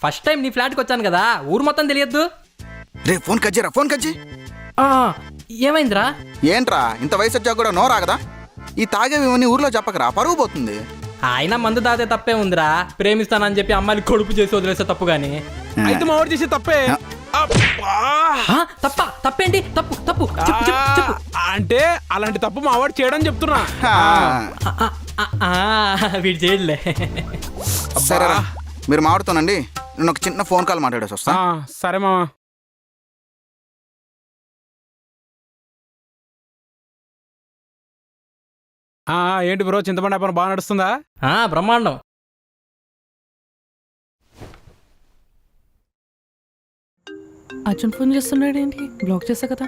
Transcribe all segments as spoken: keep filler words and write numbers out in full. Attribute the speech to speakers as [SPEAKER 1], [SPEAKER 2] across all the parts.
[SPEAKER 1] First time నీ ఫ్లాట్కి వచ్చాను కదా, ఊరు మొత్తం తెలియద్దు.
[SPEAKER 2] రే ఫోన్ కజ్జరా, ఫోన్ కజ్జి.
[SPEAKER 1] ఏమైందిరా?
[SPEAKER 2] ఏంట్రా ఇంత వయసు వచ్చా కూడా నో రాగదా? ఈ తాగేవి ఊర్లో చెప్పకరా, పరువు పోతుంది.
[SPEAKER 1] ఆయన మందు దాతే తప్పే ఉందిరా. ప్రేమిస్తానని చెప్పి అమ్మాయిని కొడుపు చేసి వదిలేస్తే తప్పు గాని.
[SPEAKER 3] అయితే మా వాడు చేసే తప్పే.
[SPEAKER 1] తప్ప తప్పేంటి? తప్పు తప్పు చెప్పు చెప్పు చెప్పు.
[SPEAKER 3] అంటే అలాంటి తప్పు మా వాడు చేయడం చెప్తున్నా.
[SPEAKER 1] వీడు చేయలే.
[SPEAKER 2] సరేరా మీరు మాట్లాడుతానండి, నేను ఒక చిన్న ఫోన్ కాల్ మాట్లాడేసి వస్తా.
[SPEAKER 3] సరే మామ. ఏంటి బ్రో, చింతపండు వ్యాపారం బాగా నడుస్తుందా?
[SPEAKER 1] బ్రహ్మాండం.
[SPEAKER 4] అర్జున్ ఫోన్ చేస్తున్నాడు ఏంటి? బ్లాక్ చేసా కదా.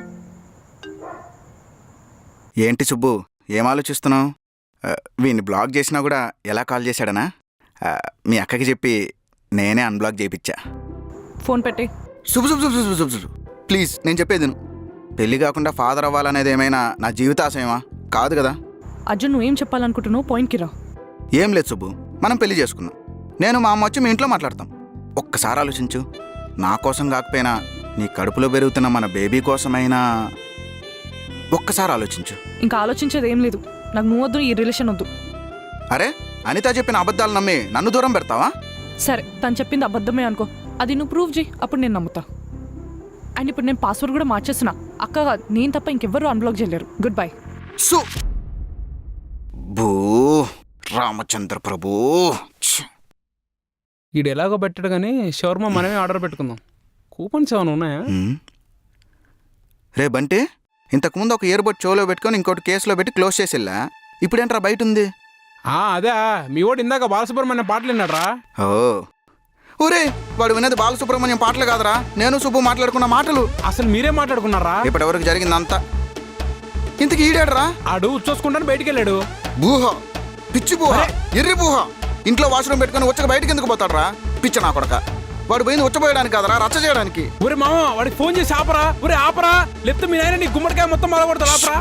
[SPEAKER 2] ఏంటి సుబ్బు ఏం ఆలోచిస్తున్నావు? వీడిని బ్లాక్ చేసినా కూడా ఎలా కాల్ చేశాడనా? మీ అక్కకి చెప్పి నేనే అన్బ్లాక్ చేయించా.
[SPEAKER 4] ఫోన్ పెట్టి.
[SPEAKER 2] శుభు శుభు శుభు శుభు శుభు ప్లీజ్ నేను చెప్పేది పెళ్లి కాకుండా ఫాదర్ అవ్వాలనేది ఏమైనా నా జీవితాశయమా? కాదు కదా.
[SPEAKER 4] అర్జున్ నువ్వేం చెప్పాలనుకుంటున్నావు? పాయింట్కి రా.
[SPEAKER 2] ఏం లేదు సుబ్బు, మనం పెళ్లి చేసుకున్నాం. నేను మా అమ్మ వచ్చి మీ ఇంట్లో మాట్లాడతాం. ఒక్కసారి ఆలోచించు, నా కోసం కాకపోయినా నీ కడుపులో పెరుగుతున్న మన బేబీ కోసమైనా ఒక్కసారి ఆలోచించు.
[SPEAKER 4] ఇంకా ఆలోచించేది ఏం లేదు. నాకు నువ్వు వద్దు, ఈ రిలేషన్ వద్దు.
[SPEAKER 2] అరే అనిత చెప్పిన అబద్ధాలు నమ్మి నన్ను దూరం పెడతావా?
[SPEAKER 4] సరే తను చెప్పింది అబద్ధమే అనుకో, అది నువ్వు ప్రూవ్ చేయి, అప్పుడు నేను నమ్ముతా. అండ్ ఇప్పుడు నేను పాస్వర్డ్ కూడా మార్చేస్తున్నా. అక్క కాదు, నేను తప్ప ఇంకెవ్వరూ అన్బ్లాక్ చేయలేరు. Good bye.
[SPEAKER 2] సు భూ రామచంద్ర ప్రభు.
[SPEAKER 3] ఈడు ఎలాగో పెట్టాడు కానీ షవర్మా మనమే ఆర్డర్ పెట్టుకుందాం. కూపన్స్ ఏమైనా ఉన్నాయా?
[SPEAKER 2] రే బంటి, ఇంతకుముందు ఒక ఇయర్బడ్ చెవులో పెట్టుకొని ఇంకోటి కేసులో పెట్టి క్లోజ్ చేసి వెళ్ళా. ఇప్పుడేంట్రా బయట ఉంది?
[SPEAKER 3] అదే మీ వాడు ఇందాక బాలసుబ్రహ్మణ్యం పాటలు విన్నాడ్రా.
[SPEAKER 2] ఓ ఊరే, వాడు వినేది బాలసుబ్రహ్మణ్యం పాటలు కాదురా, నేను సుబ్బు మాట్లాడుకున్న మాటలు.
[SPEAKER 3] అసలు మీరే మాట్లాడుకున్నారా?
[SPEAKER 2] ఇప్పటివరకు జరిగిందంతా. ఇంతకు ఈడాడరా?
[SPEAKER 3] ఆడు చూసుకుంటాను బయటికి వెళ్ళాడు.
[SPEAKER 2] బూహ, పిచ్చి బూహ, ఎర్రి బూహ. ఇంట్లో వాష్రూమ్ పెట్టుకుని వచ్చక బయటకి ఎందుకు పోతాడరా? పిచ్చ నా కొడక. వాడు పోయింది వచ్చపోయడానికి కాదరా, రచ్చ చేయడానికి.
[SPEAKER 3] ఒరే మామ, వాడికి ఫోన్ చేసి ఆపరా. ఒరే ఆపరా, లేకపోతే మీ నాయన నీ గుమ్మడికాయ మొత్తం మొదలబడతాడు. ఆపరా.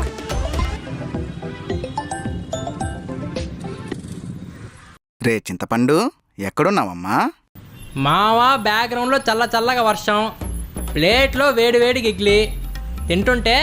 [SPEAKER 2] రే చింతపండు, ఎక్కడున్నావమ్మా?
[SPEAKER 1] మావా బ్యాక్గ్రౌండ్లో చల్ల చల్లగా వర్షం, ప్లేట్లో వేడి వేడి గిగ్లి తింటుంటే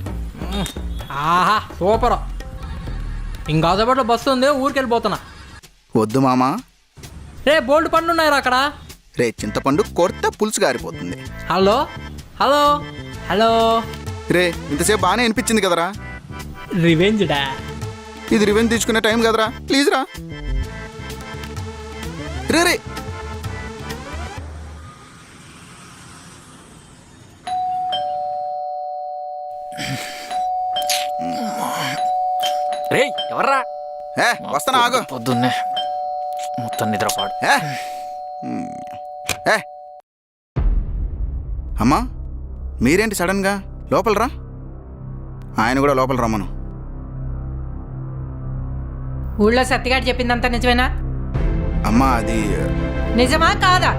[SPEAKER 1] ఆహా సూపర్. ఇంకా సేపట్లో బస్సు ఉంది, ఊరికి వెళ్ళిపోతున్నా.
[SPEAKER 2] వద్దు మామా.
[SPEAKER 1] రే బోల్డ్ పండ్లు ఉన్నాయిరా అక్కడ.
[SPEAKER 2] రే చింతపండు కొడితే పులుసు గారిపోతుంది.
[SPEAKER 1] Hello hello hello.
[SPEAKER 2] రే ఇంతసేపు బాగానే అనిపించింది కదరా.
[SPEAKER 1] రివెంజ్ డా.
[SPEAKER 2] ఇది రివెంజ్ తీసుకునే టైం కదరా, ప్లీజ్ రా. రే రే
[SPEAKER 5] రే ఎవర్రా?
[SPEAKER 2] ఏ వస్తానా, ఆగు.
[SPEAKER 5] పొద్దున్నే మొత్తం నిద్రపాడు.
[SPEAKER 2] ఏ అమ్మా, మీరేంటి సడన్గా? లోపల రా. ఆయన కూడా లోపల రమ్మను.
[SPEAKER 6] ఊళ్ళో సత్తిగాడు చెప్పిందంతా నిజమేనా?
[SPEAKER 2] అమ్మా అది
[SPEAKER 6] నిజమా కాదా?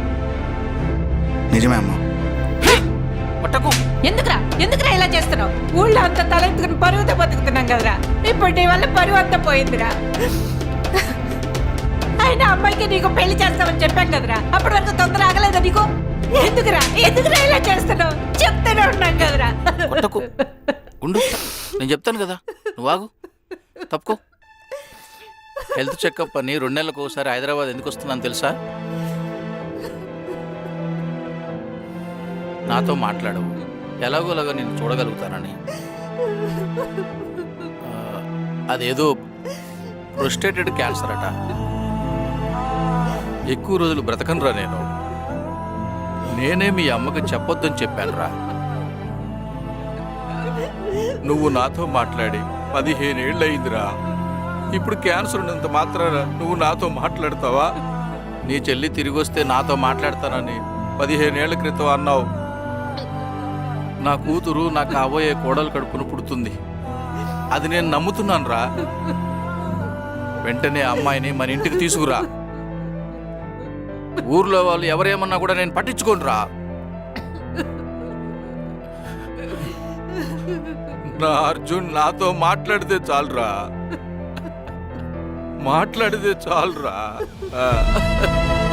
[SPEAKER 2] నిజమే అమ్మా.
[SPEAKER 5] పట్టకు.
[SPEAKER 6] ఎందుకురా ఎందుకురా ఇలా చేస్తున్నావు? ఊళ్ళో అంతా తలెత్తుకుని పరువుతో బతుకుతున్నాం కదరా. ఇప్పుడు నీ వల్ల పరువు అంతా పోయిందిరా. అయినా అమ్మాయికి నీకు పెళ్లి చేస్తామని చెప్పాం కదరా, అప్పటి వరకు తొందర ఆగలేదా నీకు? ఎందుకురా ఎందుకురా ఇలా చేస్తున్నావు? చెప్తూనే ఉన్నాం కదరా.
[SPEAKER 5] పట్టకు ఉండు, నేను చెప్తాను కదా, నువ్వు ఆగు. తప్పుకో. హెల్త్ చెకప్ అని రెండు నెలలకు ఒకసారి హైదరాబాద్ ఎందుకు వస్తున్నాను తెలుసా? నాతో మాట్లాడవు, ఎలాగోలాగా నేను చూడగలుగుతానని. అదేదో ప్రొస్టేటెడ్ క్యాన్సర్ అట. ఎక్కువ రోజులు బ్రతకనురా నేను. నేనే మీ అమ్మకి చెప్పొద్దని చెప్పానురా. నువ్వు నాతో మాట్లాడి పదిహేనేళ్ళు అయిందిరా. ఇప్పుడు క్యాన్సర్ ఉన్నంత మాత్రాన నువ్వు నాతో మాట్లాడతావా? నీ చెల్లి తిరిగి వస్తే నాతో మాట్లాడతానని పదిహేనేళ్ల క్రితం అన్నావు. నా కూతురు నా కాబోయే కోడలు కడుపును పుడుతుంది, అది నేను నమ్ముతున్నాను రా. వెంటనే అమ్మాయిని మన ఇంటికి తీసుకురా. ఊర్లో వాళ్ళు ఎవరేమన్నా కూడా నేను పట్టించుకోను రా. నా అర్జున్ నాతో మాట్లాడితే చాలురా, మాట్లాడితే చాలురా.